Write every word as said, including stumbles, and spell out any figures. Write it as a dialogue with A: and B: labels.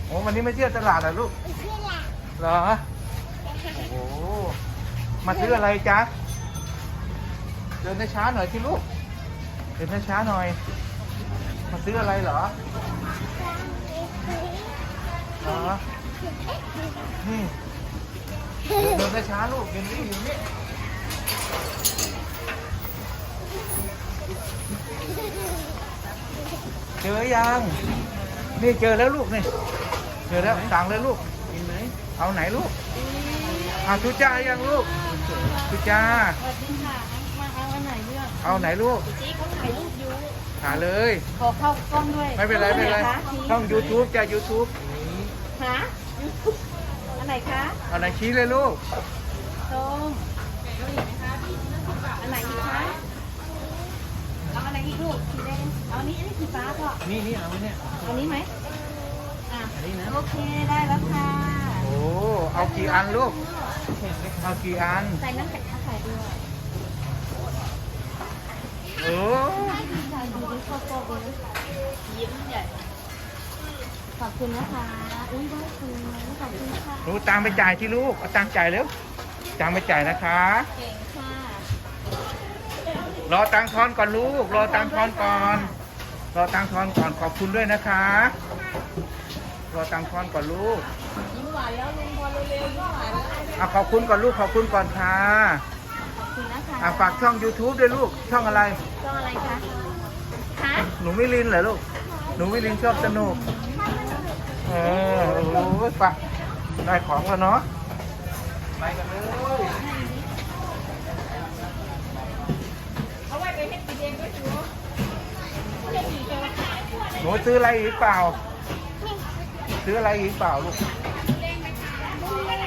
A: โอ้วันนี้ไม่เที่ยวตลาดเหรอลูก
B: ไม่เชื่อละ
A: เหรอโอ้โหมาซื้ออะไรจ๊ะเดินช้าๆหน่อยที่ลูกเดินช้าๆหน่อยมาซื้ออะไรเหรอเหรอนี่เดินช้าๆลูกเดินนี่อยู่นี่เจอยังนี่เจอแล้วลูกนี่เจอแล้วสั่งเลยลูกกินไหมเอาไหนลูกเอาทุจ้ายังลูกทุจ้า
C: สวัสดีค่ะ มาเอาอันไหนเลือก
A: เอาไหนลูก
C: จีเขาถ่ายรูปอยู่
A: หาเลย
C: ขอเข้ากล้องด้วย
A: ไม่เป็นไรไม่เป็นไร
C: อัหคะ
A: ช่อง YouTube จ้ะ YouTube
C: หาอันไหนคะ
A: เอาไหนชี้เลยลูก
C: ส้มอันไหนอีกคะเอาอันไหนอีกลูกสีแดงเอาอันนี้อันนี้สีฟ้าก็
A: นี่นี่เอาเนี่ย
C: อันนี้ไหมอ่ะ
A: อันนี้นะ
C: โอเคได้แล้วค่ะ
A: โอ้เอากี่อันลูกเอากี่อัน
C: ใส่น้ำแข็งใส่ด้วย
A: โอ้
C: ใส่ดูดิข้าวโพดเลยยิ้มใหญ่ขอบคุณนะคะอุ้ยได้คุณขอบคุณค่ะ
A: หนูตามไปจ่ายที่ลูกเอาตังค์จ่ายเร็วตังค์ไปจ่ายนะคะ
C: เก่งค่ะ
A: รอตังค์ทอนก่อนลูก รอตังค์ทอนก่อน รอตังค์ทอนก่อนขอบคุณด้วยนะคะ รอตังค์ทอนก่อนลูก
C: ยิ้มหวานแล้วลุงพอเร็วๆยิ้มหวานแล้ว
A: เอาขอบคุณก่อนลูกขอบคุณก่อนค่ะ
C: ขอบคุณนะคะ
A: อ่ะฝากช่อง YouTube ด้วยลูกช่องอะไร
C: ช่องอะไรคะคะ
A: หนูมิลินเหรอลูก หนูมิลินชอบสนุก เออโอ้โหไปได้ของแล้วเนาะ ไปกันเลย
C: เอาไว้ไปเฮ็ดกินเองก็ถือว่าเฮ็ดดีจังเลย
A: หนูซื้ออะไรอีกเปล่า ซื้ออะไรอีกเปล่าลูก
B: ม